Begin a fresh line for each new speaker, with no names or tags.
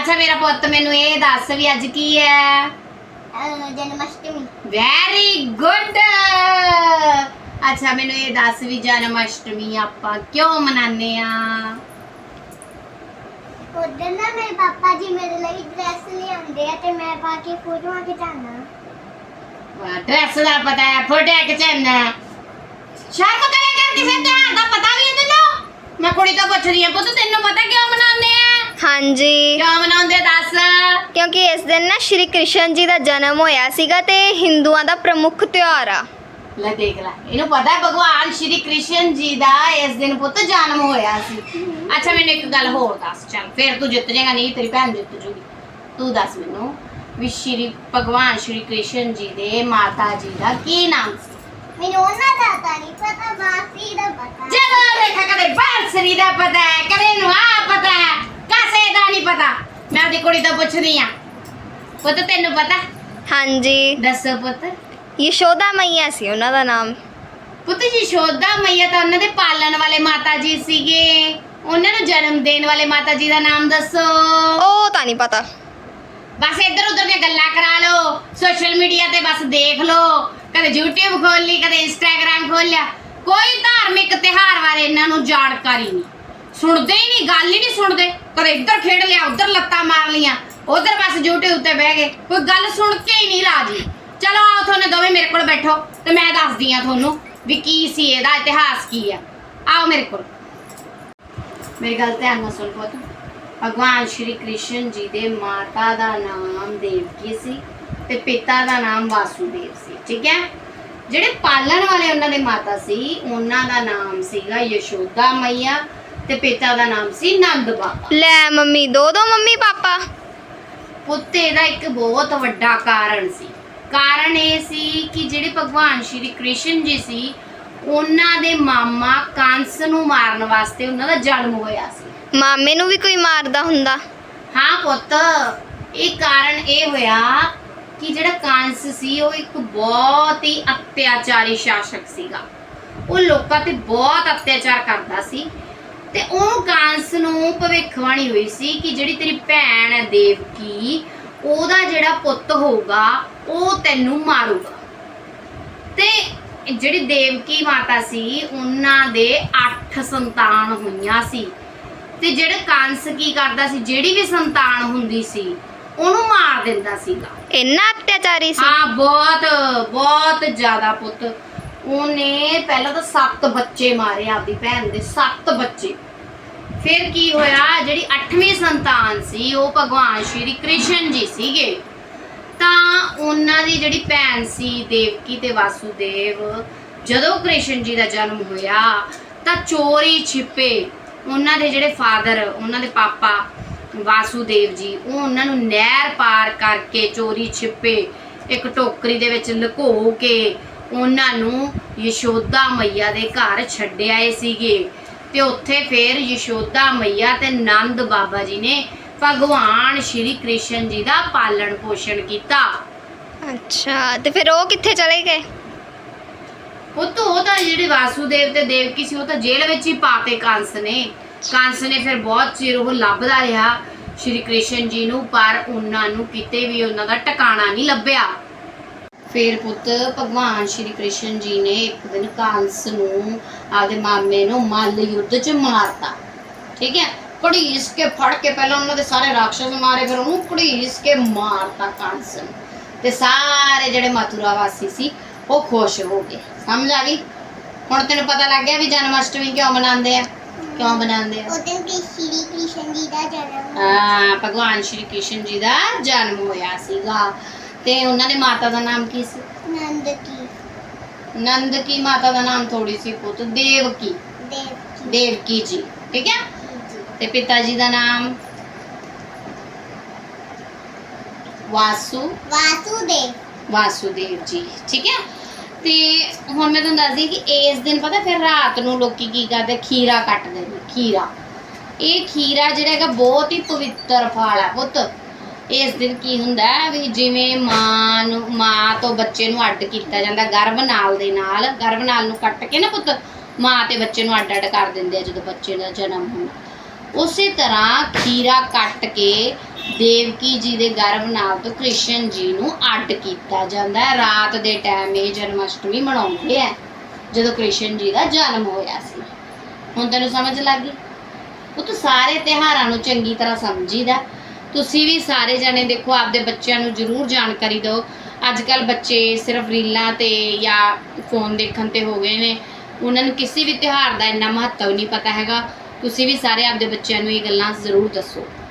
अच्छा मेरा पुत मैनू ये दस भी अज की है
जन्माष्टमी।
Very good. अच्छा मैनू ये दस भी जन्माष्टमी आपां क्यों मनाने आ?
उधर ना मेरे पापा जी मेरे लिए ड्रेस ले आंदे आ ते मैं पा के फोटो खिचाना।
ड्रेस दा पता है, फोटो खिचाना। शर्म करे कर किसे त्योहार दा पता भी है तेनू? मैं कुड़ी तो पुछ रही हां पुत तेनू पता क्यों मनाने आ?
हाँ जी,
क्यों मनाਉਂਦੇ ਦੱਸ?
क्योंकि इस दिन ना श्री कृष्ण जी का जन्म होया सीगा ते हिंदुआं दा प्रमुख त्योहार आ।
ਲੈ ਦੇਖ ਲੈ ਇਹਨੂੰ ਪਤਾ ਹੈ ਭਗਵਾਨ ਸ਼੍ਰੀ ਕ੍ਰਿਸ਼ਨ ਜੀ ਦਾ ਇਸ ਦਿਨ ਪੁੱਤ ਜਨਮ ਹੋਇਆ ਸੀ। ਅੱਛਾ ਮੈਨੂੰ ਇੱਕ ਗੱਲ ਹੋਰ ਦੱਸ, ਚੱਲ ਫਿਰ ਤੂੰ ਜਿੱਤ ਜਾਏਗਾ, ਨਹੀਂ ਤੇਰੀ ਭੈਣ ਜਿੱਤ ਜੂਗੀ। ਤੂੰ ਦੱਸ ਮੈਨੂੰ ਵੀ ਸ਼੍ਰੀ ਭਗਵਾਨ ਸ਼੍ਰੀ ਕ੍ਰਿਸ਼ਨ ਜੀ ਦੇ ਮਾਤਾ ਜੀ ਦਾ ਕੀ ਨਾਮ ਸੀ?
ਮੈਨੂੰ ਉਹਨਾਂ ਦਾ ਤਾਂ ਨਹੀਂ ਪਤਾ, ਬਾਸੀ ਦਾ ਪਤਾ।
ਜਦੋਂ ਦੇਖਾ ਕਦੇ ਬਾਂਸਰੀ ਦਾ ਪਤਾ ਹੈ, ਕਦੇ ਨੂੰ ਆ ਪਤਾ ਹੈ, ਕਾਸੇ ਦਾ ਨਹੀਂ ਪਤਾ। ਮੈਂ ਆਪਣੀ ਕੁੜੀ ਤੋਂ ਪੁੱਛਦੀ ਆ, ਪੁੱਤ ਤੈਨੂੰ ਪਤਾ?
हाँ जी,
ਦੱਸੋ ਪੁੱਤ।
यशोदा मैया सी उन्हां दा नाम।
ਪੁੱਤ ਯਸ਼ੋਦਾ ਮਈਆ ਤਾਂ ਉਹਨਾਂ ਦੇ ਪਾਲਣ ਵਾਲੇ ਮਾਤਾ ਜੀ ਸੀਗੇ, ਉਹਨਾਂ ਨੂੰ ਜਨਮ ਦੇਣ ਵਾਲੇ ਮਾਤਾ ਜੀ ਦਾ ਨਾਮ ਦੱਸੋ।
ओ तां नहीं पता।
ਬਸ ਇੱਧਰ ਉੱਧਰ ਦੀਆਂ ਗੱਲਾਂ ਕਰਾ ਲਓ, ਸੋਸ਼ਲ ਮੀਡੀਆ ਤੇ ਬਸ ਦੇਖ ਲਓ, ਕਦੇ YouTube ਖੋਲ ਲਈ, ਕਦੇ Instagram ਖੋਲ ਲਿਆ, ਕੋਈ ਧਾਰਮਿਕ ਤਿਉਹਾਰ ਬਾਰੇ ਇਹਨਾਂ ਨੂੰ ਜਾਣਕਾਰੀ ਨਹੀਂ, ਸੁਣਦੇ ਹੀ ਨਹੀਂ, ਗੱਲ ਹੀ ਨਹੀਂ ਸੁਣਦੇ। ਕਦੇ ਇੱਧਰ ਖੇਡ ਲਿਆ, ਉੱਧਰ ਲੱਤਾਂ ਮਾਰ ਲੀਆਂ, ਉੱਧਰ ਬਸ YouTube ਤੇ ਬਹਿ ਗਏ, ਕੋਈ ਗੱਲ ਸੁਣ ਕੇ ਹੀ ਨਹੀਂ ਰਾਜੀ। ਚਲੋ ਆਓ ਤੁਹਾਨੂੰ ਦੋਵੇਂ ਮੇਰੇ ਕੋਲ ਬੈਠੋ ਤੇ ਮੈਂ ਦੱਸਦੀ ਆ ਤੁਹਾਨੂੰ ਵੀ ਕੀ ਸੀ ਇਹਦਾ ਇਤਿਹਾਸ ਕੀ ਆ। ਆਓ ਮੇਰੇ ਕੋਲ, ਮੇਰੀ ਗੱਲ ਧਿਆਨ ਨਾਲ ਸੁਣ ਪੁੱਤ। ਭਗਵਾਨ ਸ਼੍ਰੀ ਕ੍ਰਿਸ਼ਨ ਜੀ ਦੇ ਮਾਤਾ ਦਾ ਨਾਮ ਦੇਵਕੀ ਸੀ ਤੇ ਪਿਤਾ ਦਾ ਨਾਮ ਵਾਸੂਦੇਵ ਸੀ, ਠੀਕ ਹੈ। ਜਿਹੜੇ ਪਾਲਣ ਵਾਲੇ ਉਹਨਾਂ ਦੇ ਮਾਤਾ ਸੀ ਉਹਨਾਂ ਦਾ ਨਾਮ ਸੀਗਾ ਯਸ਼ੋਦਾ ਮਈਆ ਤੇ ਪਿਤਾ ਦਾ ਨਾਮ ਸੀ ਨੰਦ ਬਾਬਾ।
ले मम्मी दो दो मम्मी पापा।
ਪੁੱਤ ਇਹਦਾ ਇੱਕ ਬਹੁਤ ਵੱਡਾ ਕਾਰਨ ਸੀ। ਕਾਰਨ ਇਹ ਸੀ ਕਿ ਜਿਹੜੇ ਭਗਵਾਨ ਸ਼੍ਰੀ ਕ੍ਰਿਸ਼ਨ ਜੀ ਸੀ ਉਹਨਾਂ ਦੇ ਮਾਮਾ ਕੰਸ ਨੂੰ ਮਾਰਨ ਵਾਸਤੇ ਉਹਨਾਂ ਦਾ ਜਨਮ ਹੋਇਆ ਸੀ।
मामे नू भी कोई मारदा हुंदा?
ਹਾਂ ਪੁੱਤ, ਇਹ ਕਾਰਨ ਇਹ ਹੋਇਆ ਕਿ ਜਿਹੜਾ ਕੰਸ ਸੀ ਉਹ ਇੱਕ ਬਹੁਤ ਹੀ ਅਤਿਆਚਾਰੀ ਸ਼ਾਸਕ ਸੀਗਾ। ਉਹ ਲੋਕਾਂ ਤੇ ਬਹੁਤ ਅਤਿਆਚਾਰ ਕਰਦਾ ਸੀ ਤੇ ਉਹ ਕੰਸ ਨੂੰ ਭਵਿੱਖਬਾਣੀ ਹੋਈ ਸੀ ਕਿ ਜਿਹੜੀ ਤੇਰੀ ਭੈਣ ਹੈ ਦੇਵਕੀ, ਉਹਦਾ ਜਿਹੜਾ ਪੁੱਤ ਹੋਊਗਾ ਉਹ ਤੈਨੂੰ ਮਾਰੂਗਾ। ਤੇ ਜਿਹੜੀ ਦੇਵਕੀ ਮਾਤਾ ਸੀ ਉਹਨਾਂ ਦੇ 8 ਸੰਤਾਨ ਹੋਈਆਂ ਸੀ ਤੇ ਜਿਹੜਾ ਕੰਸ ਕੀ ਕਰਦਾ ਸੀ, ਜਿਹੜੀ ਵੀ ਸੰਤਾਨ ਹੁੰਦੀ ਸੀ ਉਹਨੂੰ ਮਾਰ ਦਿੰਦਾ ਸੀਗਾ।
इन्ना अत्याचारी सी?
ਹਾਂ ਬਹੁਤ ਬਹੁਤ ਜ਼ਿਆਦਾ ਪੁੱਤ। ਉਹਨੇ ਪਹਿਲਾਂ ਤਾਂ 7 ਬੱਚੇ ਮਾਰੇ ਆਪਦੀ ਭੈਣ ਦੇ, 7 ਬੱਚੇ। ਫਿਰ ਕੀ ਹੋਇਆ, ਜਿਹੜੀ 8ਵੀਂ ਸੰਤਾਨ ਸੀ ਉਹ ਭਗਵਾਨ ਸ਼੍ਰੀ ਕ੍ਰਿਸ਼ਨ ਜੀ ਸੀਗੇ। ਤਾਂ ਉਹਨਾਂ ਦੀ ਜਿਹੜੀ ਭੈਣ ਸੀ ਦੇਵਕੀ ਤੇ ਵਾਸੂਦੇਵ, ਜਦੋਂ ਕ੍ਰਿਸ਼ਨ ਜੀ ਦਾ ਜਨਮ ਹੋਇਆ ਤਾਂ ਚੋਰੀ ਛਿਪੇ ਉਹਨਾਂ ਦੇ ਜਿਹੜੇ ਫਾਦਰ, ਉਹਨਾਂ ਦੇ ਪਾਪਾ ਵਾਸੂਦੇਵ ਜੀ, ਉਹ ਉਹਨਾਂ ਨੂੰ ਨਹਿਰ ਪਾਰ ਕਰਕੇ ਚੋਰੀ ਛਿਪੇ ਇੱਕ ਟੋਕਰੀ ਦੇ ਵਿੱਚ ਲੁਕੋ ਕੇ ਉਹਨਾਂ ਨੂੰ ਯਸ਼ੋਦਾ ਮਈਆ ਦੇ ਘਰ ਛੱਡ ਆਏ ਸੀਗੇ। ਤੇ ਉੱਥੇ ਫਿਰ ਯਸ਼ੋਦਾ ਮਈਆ ਤੇ ਨੰਦ ਬਾਬਾ ਜੀ ਨੇ ਭਗਵਾਨ ਸ਼੍ਰੀ ਕ੍ਰਿਸ਼ਨ ਜੀ ਦਾ ਪਾਲਣ ਪੋਸ਼ਣ ਕੀਤਾ।
अच्छा, ते फिर वो कित्थे चले गए?
ਉਹ ਤਾਂ ਜਿਹੜੇ ਵਾਸੂਦੇਵ ਤੇ ਦੇਵਕੀ ਸੀ ਉਹ ਤਾਂ ਜੇਲ੍ਹ ਵਿੱਚ ਹੀ ਪਾਤੇ ਕੰਸ ਨੇ। ਕੰਸ ਨੇ ਫਿਰ ਬਹੁਤ ਚਿਰ ਉਹ ਲੱਭਦਾ ਰਿਹਾ ਸ਼੍ਰੀ ਕ੍ਰਿਸ਼ਨ ਜੀ ਨੂੰ, ਪਰ ਉਹਨਾਂ ਨੂੰ ਕਿਤੇ ਵੀ ਉਹਨਾਂ ਦਾ ਟਿਕਾਣਾ ਨਹੀਂ ਲੱਭਿਆ। ਫਿਰ ਪੁੱਤ ਭਗਵਾਨ ਸ਼੍ਰੀ ਕ੍ਰਿਸ਼ਨ ਜੀ ਨੇ ਇੱਕ ਦਿਨ ਕੰਸ ਨੂੰ, ਆਪਦੇ ਮਾਮੇ ਨੂੰ ਮੱਲ ਯੁੱਧ 'ਚ ਮਾਰਤਾ, ਠੀਕ ਹੈ। ਘੜੀਸ ਕੇ ਫੜ ਕੇ ਪਹਿਲਾਂ ਉਹਨਾਂ ਦੇ ਸਾਰੇ ਰਾਖਸ਼ਸ ਮਾਰੇ, ਫਿਰ ਉਹਨੂੰ ਘੜੀਸ ਕੇ ਮਾਰਤਾ ਕੰਸ ਨੂੰ। ਤੇ ਸਾਰੇ ਜਿਹੜੇ ਮਥੁਰਾ ਵਾਸੀ ਸੀ ਉਹ ਖੁਸ਼ ਹੋ ਗਏ। ਸਮਝ ਆ ਗਈ? ਹੁਣ ਤੈਨੂੰ ਪਤਾ ਲੱਗ ਗਿਆ ਵੀ ਜਨਮਾਸ਼ਟਮੀ ਕਿਉਂ ਮਨਾਉਂਦੇ ਆ, ਕਿਉਂ ਮਨਾਉਂਦੇ ਆ।
ਉਹ ਦਿਨ ਕਿ ਸ਼੍ਰੀ ਕ੍ਰਿਸ਼ਨ ਜੀ ਦਾ ਜਨਮ।
ਹਾਂ, ਭਗਵਾਨ ਸ਼੍ਰੀ ਕ੍ਰਿਸ਼ਨ ਜੀ ਦਾ ਜਨਮ ਹੋਇਆ ਸੀਗਾ। ਤੇ ਉਹਨਾਂ ਦੇ ਮਾਤਾ ਦਾ ਨਾਮ ਕੀ ਸੀ?
ਨੰਦ ਕੀ।
ਨੰਦ ਕੀ ਮਾਤਾ ਦਾ ਨਾਮ ਥੋੜੀ ਸੀ ਪੁੱਤ, ਦੇਵਕੀ,
ਦੇਵ
ਦੇਵਕੀ ਜੀ, ਠੀਕ ਹੈ।
ਜੀ।
ਤੇ ਪਿਤਾ ਜੀ ਦਾ ਨਾਮ
ਵਾਸੂਦੇਵ।
ਵਾਸੂਦੇਵ ਜੀ, ਠੀਕ ਹੈ। ਤੇ ਹੁਣ ਮੈਂ ਤੁਹਾਨੂੰ ਦੱਸਦੀ ਕਿ ਇਸ ਦਿਨ ਪਤਾ ਫਿਰ ਰਾਤ ਨੂੰ ਲੋਕੀ ਕੀ ਕਰਦੇ, ਖੀਰਾ ਕੱਟਦੇ ਨੇ। ਖੀਰਾ, ਇਹ ਖੀਰਾ ਜਿਹੜਾ ਹੈਗਾ ਬਹੁਤ ਹੀ ਪਵਿੱਤਰ ਫਲ ਹੈ ਪੁੱਤ। ਇਸ ਦਿਨ ਕੀ ਹੁੰਦਾ ਵੀ ਜਿਵੇਂ ਮਾਂ ਤੋਂ ਬੱਚੇ ਨੂੰ ਅੱਡ ਕੀਤਾ ਜਾਂਦਾ ਗਰਭਨਾਲ ਦੇ ਨਾਲ, ਗਰਭਨਾਲ ਨੂੰ ਕੱਟ ਕੇ ਨਾ ਪੁੱਤ ਮਾਂ ਤੇ ਬੱਚੇ ਨੂੰ ਅੱਡ ਕਰ ਦਿੰਦੇ ਆ ਜਦੋਂ ਬੱਚੇ ਦਾ ਜਨਮ ਹੁੰਦਾ। ਉਸੇ ਤਰ੍ਹਾਂ ਖੀਰਾ ਕੱਟ ਕੇ ਦੇਵਕੀ ਜੀ ਦੇ ਗਰਭ ਨਾਲ ਤੋਂ ਕ੍ਰਿਸ਼ਨ ਜੀ ਨੂੰ ਅੱਡ ਕੀਤਾ ਜਾਂਦਾ ਹੈ। ਰਾਤ ਦੇ ਟਾਈਮ ਇਹ ਜਨਮ ਅਸ਼ਟਮੀ ਮਨਾਉਂਦੇ ਆ, ਜਦੋਂ ਕ੍ਰਿਸ਼ਨ ਜੀ ਦਾ ਜਨਮ ਹੋਇਆ ਸੀ। ਹੁਣ ਤੈਨੂੰ ਸਮਝ ਲੱਗ ਗਈ? ਉਹ ਤਾਂ ਸਾਰੇ ਤਿਉਹਾਰਾਂ ਨੂੰ ਚੰਗੀ ਤਰ੍ਹਾਂ ਸਮਝੀਦਾ। ਤੁਸੀਂ ਵੀ ਸਾਰੇ ਜਣੇ ਦੇਖੋ, ਆਪਦੇ ਬੱਚਿਆਂ ਨੂੰ ਜ਼ਰੂਰ ਜਾਣਕਾਰੀ ਦਿਓ। ਅੱਜ ਕੱਲ੍ਹ ਬੱਚੇ ਸਿਰਫ ਰੀਲਾਂ ਤੇ ਜਾਂ ਫੋਨ ਦੇਖਣ ਤੇ ਹੋ ਗਏ ਨੇ, ਉਹਨਾਂ ਨੂੰ ਕਿਸੇ ਵੀ ਤਿਉਹਾਰ ਦਾ ਇੰਨਾ ਮਹੱਤਵ ਨਹੀਂ ਪਤਾ ਹੈਗਾ। ਤੁਸੀਂ ਵੀ ਸਾਰੇ ਆਪਦੇ ਬੱਚਿਆਂ ਨੂੰ ਇਹ ਗੱਲਾਂ ਜ਼ਰੂਰ ਦੱਸੋ।